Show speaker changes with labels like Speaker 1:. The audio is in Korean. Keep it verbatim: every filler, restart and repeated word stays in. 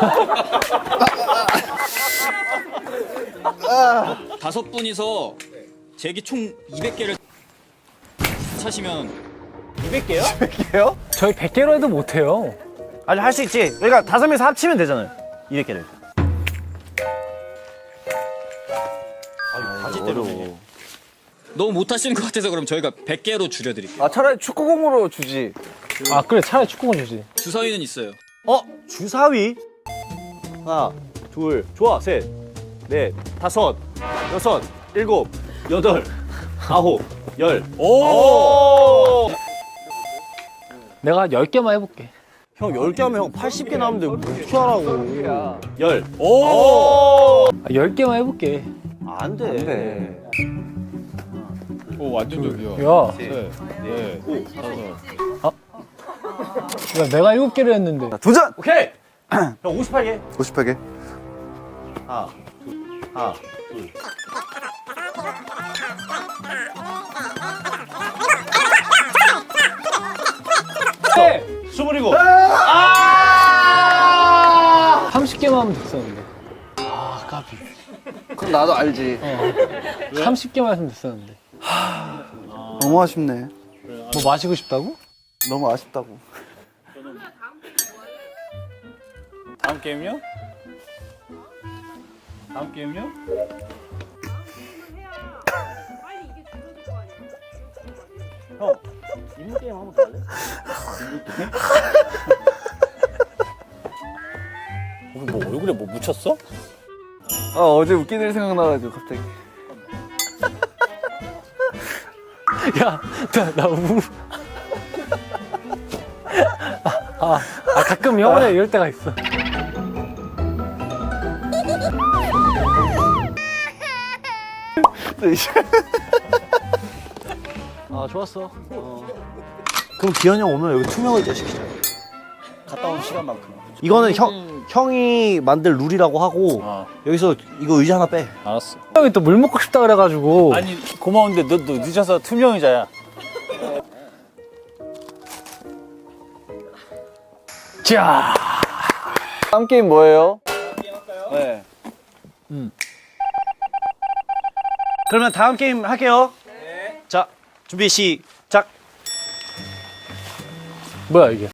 Speaker 1: 다섯 분이서 제기 총 이백 개를 차시면
Speaker 2: 이백 개요?
Speaker 3: 이백 개요?
Speaker 4: 저희 백 개로 해도 못해요.
Speaker 2: 아니 할 수 있지. 그러니까 다섯 명이서 합치면 되잖아요. 이백 개를. 바지 때문에.
Speaker 1: 너무 못하시는 것 같아서 그럼 저희가 백 개로 줄여드릴게요.
Speaker 3: 아 차라리 축구공으로 주지.
Speaker 4: 아 그래 차라리 축구공 주지.
Speaker 1: 주사위는 있어요.
Speaker 2: 어? 주사위? 하나, 둘, 좋아, 셋, 넷, 다섯, 여섯, 일곱, 여덟, 아홉, 열. 오!
Speaker 4: 내가 열 개만 해볼게.
Speaker 2: 형 열 개 하면 형 팔십 개 나오는데 어떻게 하라고. 열.
Speaker 4: 오! 아, 열 개만 해볼게.
Speaker 2: 안 돼. 안 돼.
Speaker 5: 오 완전 저기요.
Speaker 4: 야,
Speaker 5: 네.
Speaker 4: 야 내가 일곱 개를 했는데.
Speaker 3: 도전!
Speaker 2: 오케이! 형 오십팔 개.
Speaker 3: 오십팔 개.
Speaker 2: 하나, 둘, 하나, 둘.
Speaker 4: 네!
Speaker 2: 스물이고.
Speaker 4: 삼십 개만 하면 됐었는데.
Speaker 3: 그럼 나도 알지.
Speaker 4: 삼십 개만 했으면 됐었는데.
Speaker 3: 너무 아쉽네.
Speaker 4: 뭐 마시고 싶다고?
Speaker 3: 너무 아쉽다고.
Speaker 5: 다음 게임요? 다음 게임요?
Speaker 2: 형, 인물 게임 한번 더 할래?
Speaker 5: 뭐 얼굴에 뭐 묻혔어?
Speaker 3: 아 어제 웃긴 일 생각나가지고 갑자기.
Speaker 4: 야, 나, 나 우. 아, 아, 가끔 영원에 이럴 때가 있어.
Speaker 2: 아, 좋았어. 어. 그럼 기현이 형 오면 여기 투명 의자 시키자. 갔다 온 시간만큼. 이거는 형, 형이 만들 룰이라고 하고
Speaker 5: 어.
Speaker 2: 여기서 이거 의자 하나 빼.
Speaker 5: 알았어.
Speaker 4: 형이 또 물 먹고 싶다 그래가지고.
Speaker 5: 아니 고마운데 너, 너 늦어서 투명 의자야.
Speaker 4: 자,
Speaker 3: 다음 게임 뭐예요?
Speaker 5: 네.
Speaker 2: 그러면 다음 게임 할게요. 네. 자, 준비 시작.
Speaker 4: 뭐야 이게?